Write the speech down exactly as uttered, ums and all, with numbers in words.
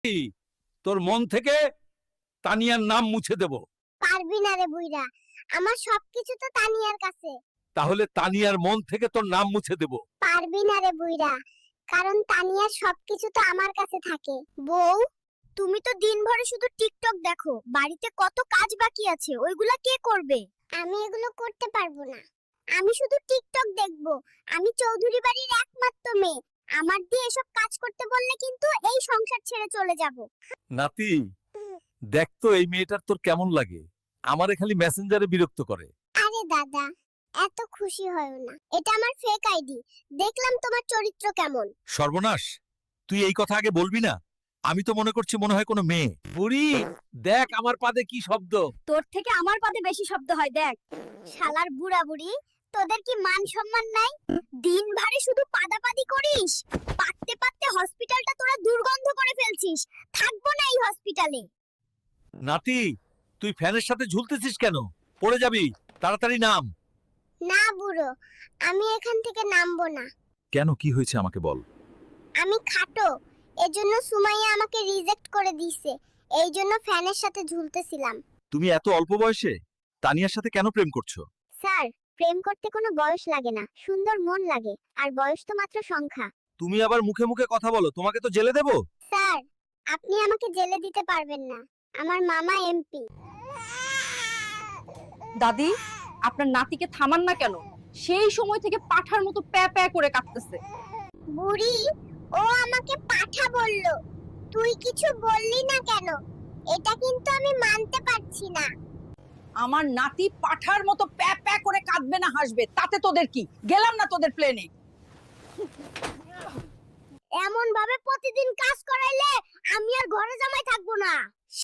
তোর মন থেকে তানিয়ার নাম মুছে দেব। পারবি না রে বুইরা, আমার সবকিছু তো তানিয়ার কাছে। তাহলে তানিয়ার মন থেকে তোর নাম মুছে দেব। পারবি না রে বুইরা, কারণ তানিয়ার সবকিছু তো আমার কাছে থাকে। বউ, তুমি তো দিনভর শুধু টিকটক দেখো, বাড়িতে কত কাজ বাকি আছে, ওইগুলা কে করবে? আমি এগুলো করতে পারবো না। আমি শুধু টিকটক দেখবো। আমি চৌধুরী বাড়ির একমাত্র মেয়ে। আমার দিয়ে এসব কাজ করতে বললে কিন্তু এই সংসার ছেড়ে চলে যাব। নাতি, দেখ তো এই মেয়েটার তোর কেমন লাগে। আমারে খালি মেসেঞ্জারে বিরক্ত করে। আরে দাদা, এত খুশি হয়ো না। এটা আমার ফেক আইডি। দেখলাম তোমার চরিত্র কেমন। সর্বনাশ, তুই এই কথা আগে বলবি না। আমি তো মনে করছি মনে হয় কোনো মেয়ে। বুড়ি, দেখ আমার পাদে কি শব্দ। তোর থেকে আমার পাতে বেশি শব্দ হয়, দেখ। শালার বুড়া বুড়ি, তোদের কি মান সম্মান নাই? দিন ভারে শুধু পাদাপাদি করিস। পাততে পাততে হসপিটালটা তোরা দুর্গন্ধ করে ফেলছিস। থাকবো না এই হসপিটালে। নাতি, তুই ফ্যানের সাথে ঝুলতেছিস কেন? পড়ে যাবি, তাড়াতাড়ি নাম। না বুড়ো, আমি এখান থেকে নামবো না। কেন, কি হয়েছে আমাকে বল। আমি খাটো, এজন্য সুমাইয়া আমাকে রিজেক্ট করে দিয়েছে। এই জন্য ফ্যানের সাথে ঝুলতেছিলাম। তুমি এত অল্প বয়সে তানিয়ার সাথে কেন প্রেম করছো? স্যার, প্রেম করতে কোনো বয়স লাগে না, সুন্দর মন লাগে, আর বয়স তো মাত্র সংখ্যা। তুমি আবার মুখে মুখে কথা বলো, তোমাকে তো জেলে দেব। স্যার, আপনি আমাকে জেলে দিতে পারবেন না। আমার মামা এমপি। দাদি, আপনার নাতিকে থামান না কেন? সেই সময় থেকে পাঠার মতো প্যা প্যা করে কাঁদতেছে। বুড়ি, ও আমাকে পাঠা বলল। তুই কিছু বললি না কেন? এটা কিন্তু আমি মানতে পারছি না। আমার নাতি পাঠার মতো প্যা প্যা করে কাঁদবে না হাসবে, তাতে তোদের কি? গেলাম না তোদের প্লেনে। এমন ভাবে প্রতিদিন কাজ করাইলে আমি আর ঘরে জামাই থাকবো না।